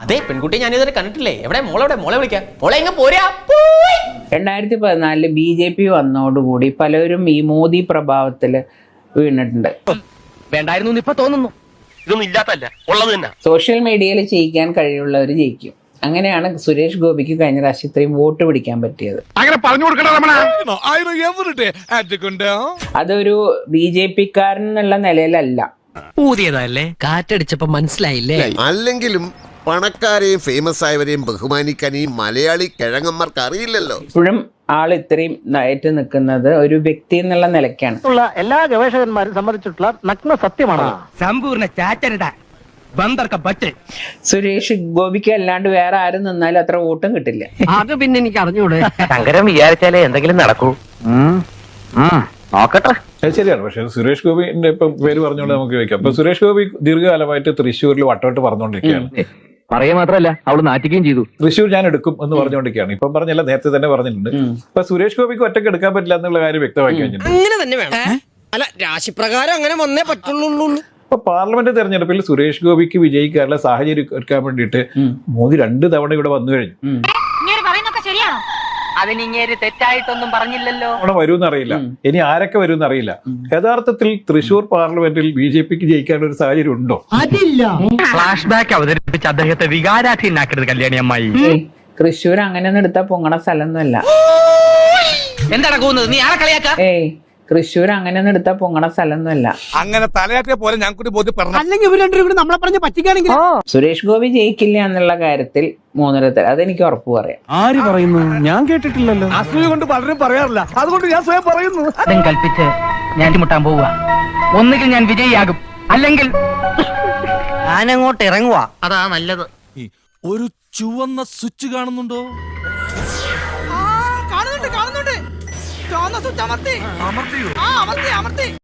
പെൺകുട്ടി ഞാനിതുവരെ കണ്ടിട്ടില്ലേ. എവിടെ മോളെ വിളിക്കാം. മോളെ എങ്ങ പോരാ. 2014 BJP വന്നതോടുകൂടി പലരും ഈ മോദി പ്രഭാവത്തില് വീണിട്ടുണ്ട്. വേണ്ടായിരുന്നു ഇപ്പൊ തോന്നുന്നു. ഇതൊന്നും ഇല്ലാത്തല്ല, ഉള്ളത് തന്നെ. സോഷ്യൽ മീഡിയയിൽ ജയിക്കാൻ കഴിവുള്ളവർ ജയിക്കും. അങ്ങനെയാണ് സുരേഷ് ഗോപിക്ക് കഴിഞ്ഞ പ്രാവശ്യം ഇത്രയും വോട്ട് പിടിക്കാൻ പറ്റിയത്. അതൊരു BJP-ക്കാരൻ എന്നുള്ള നിലയിലല്ല. ഊതിയതല്ലേ, കാറ്റടിച്ചപ്പോ മനസ്സിലായില്ലേ. അല്ലെങ്കിലും പണക്കാരെയും ഫേമസ് ആയവരെയും ബഹുമാനിക്കാൻ ഈ മലയാളി കിഴങ്ങന്മാർക്ക് അറിയില്ലല്ലോ. ഇപ്പോഴും ആൾ ഇത്രയും ഏറ്റ് നിൽക്കുന്നത് ഒരു വ്യക്തി എന്നുള്ള നിലയ്ക്കാണ്. എല്ലാ ഗവേഷകന്മാരും സമ്മതിച്ചിട്ടുള്ള നഗ്ന സത്യമാണ്. സമ്പൂർണ്ണ ചാറ്റരുത സുരേഷ് ഗോപിക്ക് അല്ലാണ്ട് വേറെ ആരും നിന്നാലും അത്ര വോട്ടും കിട്ടില്ല. അത് പിന്നെ എനിക്ക് അറിഞ്ഞൂടെ. ശങ്കരൻ വിചാരിച്ചാലേ എന്തെങ്കിലും നടക്കൂ. നോക്കട്ടെ. ശരിയാണ്. പക്ഷെ സുരേഷ് ഗോപിന്റെ ഇപ്പം പേര് പറഞ്ഞുകൊണ്ട് നമുക്ക് ചോദിക്കാം. അപ്പൊ സുരേഷ് ഗോപി ദീർഘകാലമായിട്ട് തൃശ്ശൂരിൽ വട്ടോട്ട് പറഞ്ഞുകൊണ്ടിരിക്കുകയാണ്. പറയുക മാത്രമല്ല, അവള് നാറ്റിക്കുകയും ചെയ്തു. തൃശ്ശൂർ ഞാൻ എടുക്കും എന്ന് പറഞ്ഞുകൊണ്ടിരിക്കുകയാണ്. ഇപ്പം പറഞ്ഞല്ല, നേരത്തെ തന്നെ പറഞ്ഞിട്ടുണ്ട്. അപ്പൊ സുരേഷ് ഗോപിക്ക് ഒറ്റയ്ക്ക് എടുക്കാൻ പറ്റില്ല എന്നുള്ള കാര്യം വ്യക്തമാക്കി കഴിഞ്ഞിട്ടുണ്ട്. അങ്ങനെ തന്നെ വേണം. അല്ല, രാശിപ്രകാരം അങ്ങനെ വന്നേ പറ്റുള്ളൂ. അപ്പൊ പാർലമെന്റ് തെരഞ്ഞെടുപ്പിൽ സുരേഷ് ഗോപിക്ക് വിജയിക്കാനുള്ള സാഹചര്യം ഒരുക്കാൻ വേണ്ടിയിട്ട് മോദി 2 തവണ ഇവിടെ വന്നു കഴിഞ്ഞു. അതിനിങ്ങേര് തെറ്റായിട്ടൊന്നും പറഞ്ഞില്ലല്ലോ. അവിടെ വരുമെന്ന് അറിയില്ല, ഇനി ആരൊക്കെ വരുമെന്ന് അറിയില്ല. യഥാർത്ഥത്തിൽ തൃശ്ശൂർ പാർലമെന്റിൽ BJP-ക്ക് ജയിക്കാനുള്ള ഒരു സാഹചര്യം ഉണ്ടോ? അതില്ല. ഫ്ലാഷ് ബാക്ക് അവതരിപ്പിച്ച് അദ്ദേഹത്തെ വികാരാധീനാക്കരുത് കല്യാണി അമ്മായി. തൃശ്ശൂർ അങ്ങനെയൊന്നും എടുത്താൽ പൊങ്ങണ സ്ഥലമൊന്നുമല്ല. എന്താണ് പോകുന്നത്? നീ ആരെ കളിയാക്ക? തൃശ്ശൂർ അങ്ങനെയൊന്നും എടുത്താൽ പൊങ്ങണ സ്ഥലമൊന്നുമല്ല. അങ്ങനെ തലയാറ്റിയ പോലെ ഞാൻ കൂടി ബോധ്യപ്പെടണം. അല്ലെങ്കിൽ ഇവർ രണ്ടും കൂടി നമ്മളെ പറഞ്ഞ് പറ്റിക്കാണെങ്കിൽ സുരേഷ് ഗോപി ജയിക്കില്ല എന്നുള്ള കാര്യത്തിൽ 3 അതെനിക്ക് ഉറപ്പ് പറയാം. ആര് പറയുന്നു? ഞാൻ കേട്ടിട്ടില്ലല്ലോ. അസൂയ കൊണ്ട് പലരും പറയാറില്ല, അതുകൊണ്ട് ഞാൻ സ്വയം പറയുന്നു. അതും കൽപ്പിച്ച് ഞാൻ മുട്ടാൻ പോവുക. ഒന്നുകിൽ ഞാൻ വിജയിയാകും, അല്ലെങ്കിൽ ഞാനങ്ങോട്ട് ഇറങ്ങുക. അതാ നല്ലത്. ഒരു ചുവന്ന സ്വിച്ച് കാണുന്നുണ്ടോ? കാണുന്നുണ്ട്. ചുവന്ന സ്വിച്ച് അമർത്തി.